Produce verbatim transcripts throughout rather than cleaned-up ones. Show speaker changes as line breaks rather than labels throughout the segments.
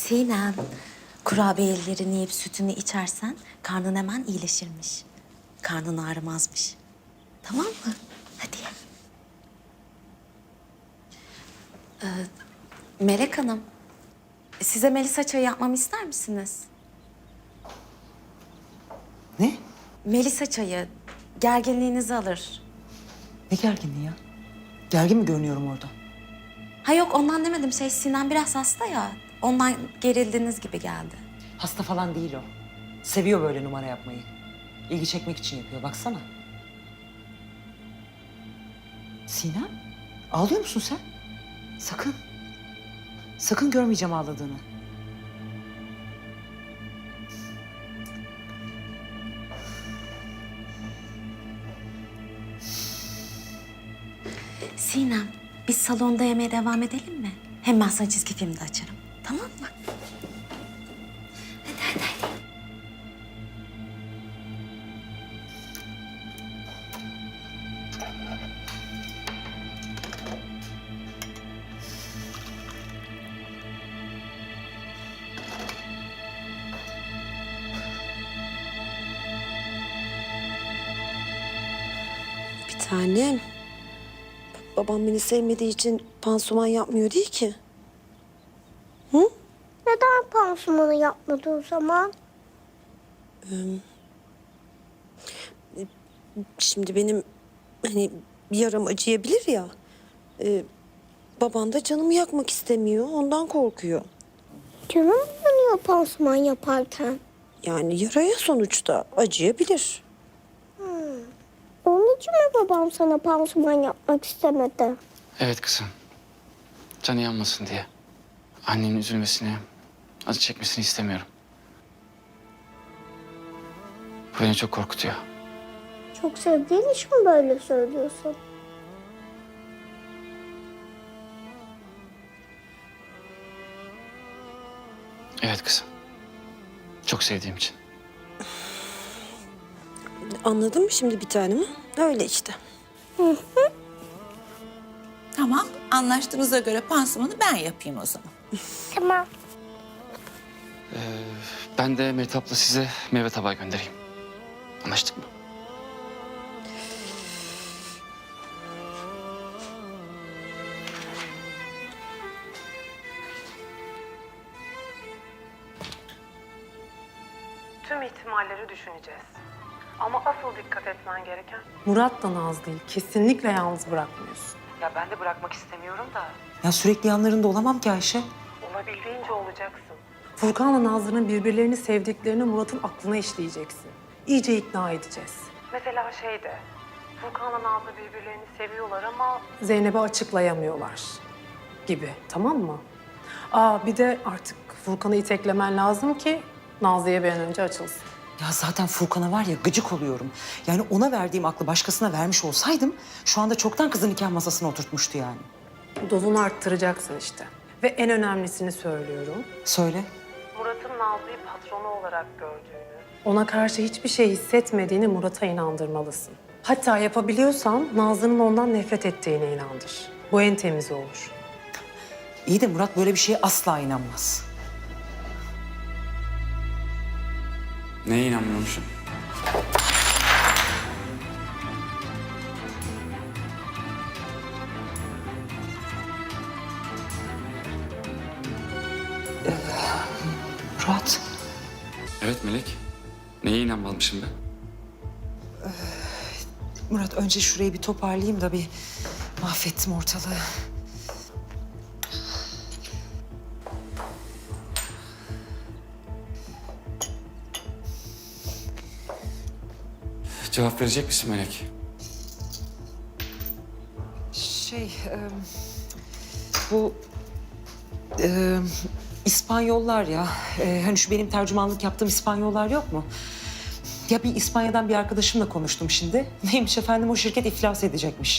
Sinem, kurabiyelerini yiyip sütünü içersen karnın hemen iyileşirmiş. Karnın ağrımazmış. Tamam mı? Hadi ye. Ee, Melek Hanım, size Melisa çayı yapmamı ister misiniz?
Ne?
Melisa çayı gerginliğinizi alır.
Ne gerginliği ya? Gergin mi görünüyorum orada?
Ha yok ondan demedim. Şey Sinem biraz hasta ya. Ondan gerildiğiniz gibi geldi.
Hasta falan değil o. Seviyor böyle numara yapmayı. İlgi çekmek için yapıyor, baksana. Sinem, ağlıyor musun sen? Sakın. Sakın görmeyeceğim ağladığını.
Sinem, biz salonda yemeğe devam edelim mi? Hem ben sana çizgi film de açarım. Tamam mı? Hadi hadi hadi.
Bir tanem. Babam beni sevmediği için pansuman yapmıyor değil ki. Hı?
Neden pansumanı yapmadı o zaman?
Şimdi benim hani bir yaram acıyabilir ya. Ee, baban da canımı yakmak istemiyor. Ondan korkuyor.
Canım yanıyor pansuman yaparken.
Yani yaraya sonuçta acıyabilir.
Onun için mi babam sana pansuman yapmak istemedi?
Evet kızım. Canı yanmasın diye. Annenin üzülmesini, acı çekmesini istemiyorum. Bu beni çok korkutuyor.
Çok sevdiğin için mi böyle söylüyorsun?
Evet kızım. Çok sevdiğim için.
Anladın mı şimdi bir tanem? Öyle işte.
Tamam, anlaştığımıza göre pansumanı ben yapayım o zaman.
Tamam.
Ben de Mehtap'la size meyve tabağı göndereyim. Anlaştık mı?
Tüm ihtimalleri düşüneceğiz. Ama asıl dikkat etmen gereken...
Murat da Naz değil. Kesinlikle yalnız bırakmıyorsun.
Ya ben de bırakmak istemiyorum da
Ya sürekli yanlarında olamam ki Ayşe.
olabildiğince olacaksın.
Furkan'la Nazlı'nın birbirlerini sevdiklerini Murat'ın aklına işleyeceksin. İyice ikna edeceğiz.
Mesela şey de, Furkan'la Nazlı birbirlerini seviyorlar ama...
Zeynep'e açıklayamıyorlar gibi, tamam mı? Aa bir de artık Furkan'ı iteklemen lazım ki Nazlı'ya bir an önce açılsın.
Ya zaten Furkan'a var ya gıcık oluyorum. Yani ona verdiğim aklı başkasına vermiş olsaydım... ...şu anda çoktan kızın nikah masasına oturtmuştu yani.
Dozunu arttıracaksın işte. Ve en önemlisini söylüyorum.
Söyle.
Murat'ın Nazlı'yı patronu olarak gördüğünü...
Ona karşı hiçbir şey hissetmediğini Murat'a inandırmalısın. Hatta yapabiliyorsan Nazlı'nın ondan nefret ettiğine inandır. Bu en temizi olur.
İyi de Murat böyle bir şeye asla inanmaz.
Neye inanmıyormuşum?
Murat.
Evet Melek. Neye inanmamışım ben?
Murat önce şurayı bir toparlayayım da bir mahvettim ortalığı.
Cevap verecek misin Melek?
Şey, e, bu e, İspanyollar ya, e, hani şu benim tercümanlık yaptığım İspanyollar yok mu? Ya bir İspanya'dan bir arkadaşımla konuştum şimdi. Neymiş efendim, o şirket iflas edecekmiş.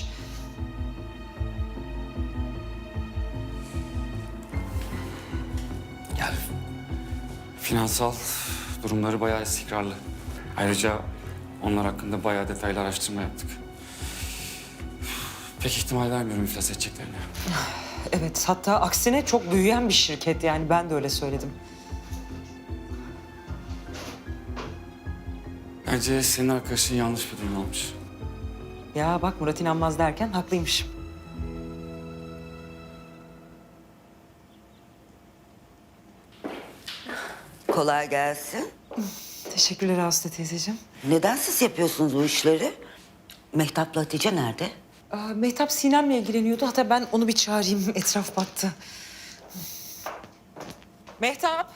Yani finansal durumları bayağı istikrarlı. Ayrıca onlar hakkında bayağı detaylı araştırma yaptık. Pek ihtimal vermiyorum iflas edeceklerini.
Evet, hatta aksine çok büyüyen bir şirket yani ben de öyle söyledim.
Bence senin arkadaşın yanlış bir durum olmuş.
Ya bak Murat inanmaz derken haklıymışım.
Kolay gelsin.
Teşekkürler Aslı teyzeciğim.
Neden siz yapıyorsunuz bu işleri? Mehtap'la Hatice nerede?
Aa, Mehtap Sinem'le ilgileniyordu. Hatta ben onu bir çağırayım. Etraf battı. Mehtap.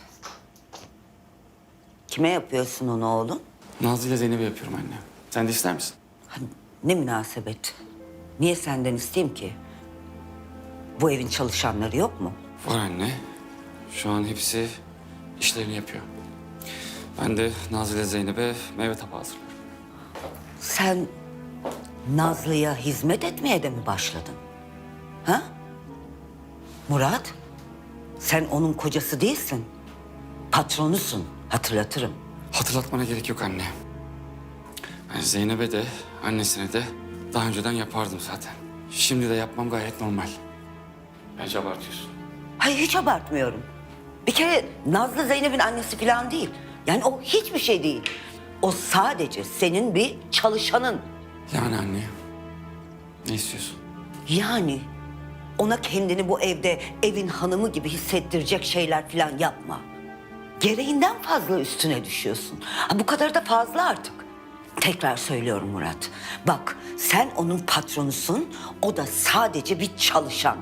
Kime yapıyorsun onu oğlum?
Nazlı ile Zeynep'e yapıyorum anne. Sen de ister misin?
Ha, ne münasebet. Niye senden isteyeyim ki? Bu evin çalışanları yok mu?
Var anne. Şu an hepsi işlerini yapıyor. Ben de Nazlı ile Zeynep'e meyve tabağı hazırlıyorum.
Sen Nazlı'ya hizmet etmeye de mi başladın? Ha? Murat, sen onun kocası değilsin. Patronusun, hatırlatırım.
Hatırlatmana gerek yok anne. Ben Zeynep'e de annesine de daha önceden yapardım zaten. Şimdi de yapmam gayet normal. Bence abartıyorsun.
Hayır, hiç abartmıyorum. Bir kere Nazlı Zeynep'in annesi falan değil. Yani o hiçbir şey değil. O sadece senin bir çalışanın.
Yani anne, ne istiyorsun?
Yani ona kendini bu evde evin hanımı gibi hissettirecek şeyler falan yapma. Gereğinden fazla üstüne düşüyorsun. Ha, bu kadar da fazla artık. Tekrar söylüyorum Murat. Bak, sen onun patronusun, o da sadece bir çalışan.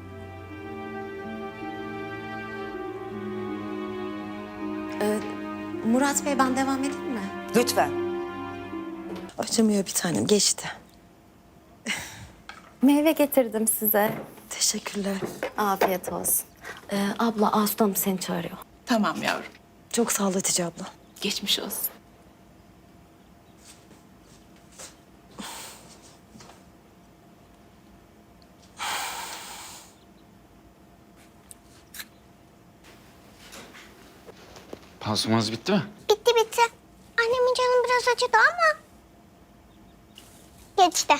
Murat Bey, ben devam edeyim mi?
Lütfen.
Acımıyor bir tanem, geçti.
Meyve getirdim size.
Teşekkürler.
Afiyet olsun. Ee, abla, Aslı Hanım seni çağırıyor.
Tamam yavrum.
Çok sağ ol Hatice abla.
Geçmiş olsun.
Pansumanız bitti mi?
Bitti bitti. Annemin canı biraz acıdı ama geçti.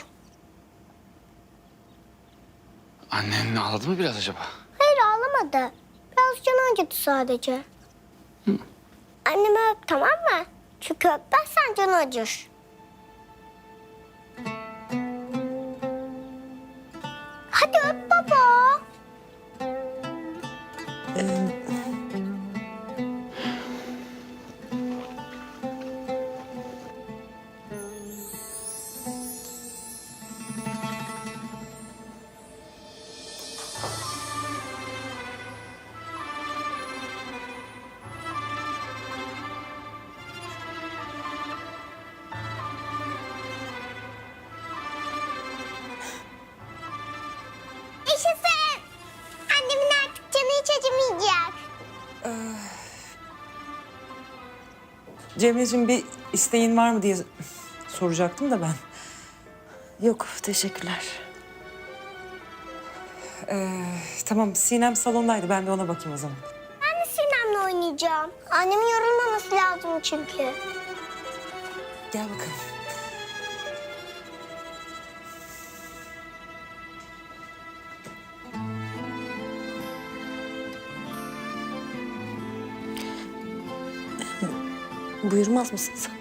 Annen ağladı mı biraz acaba?
Hayır ağlamadı. Biraz canı acıdı sadece. Annemi öp, tamam mı? Çünkü öpmezsen canı acır. Hadi öp baba. Yaşasın. Annemin artık canı hiç acımayacak.
Cemre'cim bir isteğin var mı diye soracaktım da ben.
Yok, teşekkürler.
Ee, tamam Sinem salondaydı. Ben de ona bakayım o zaman.
Ben de Sinem'le oynayacağım. Annemin yorulmaması lazım çünkü.
Gel bakalım.
Buyurmaz mısın sen?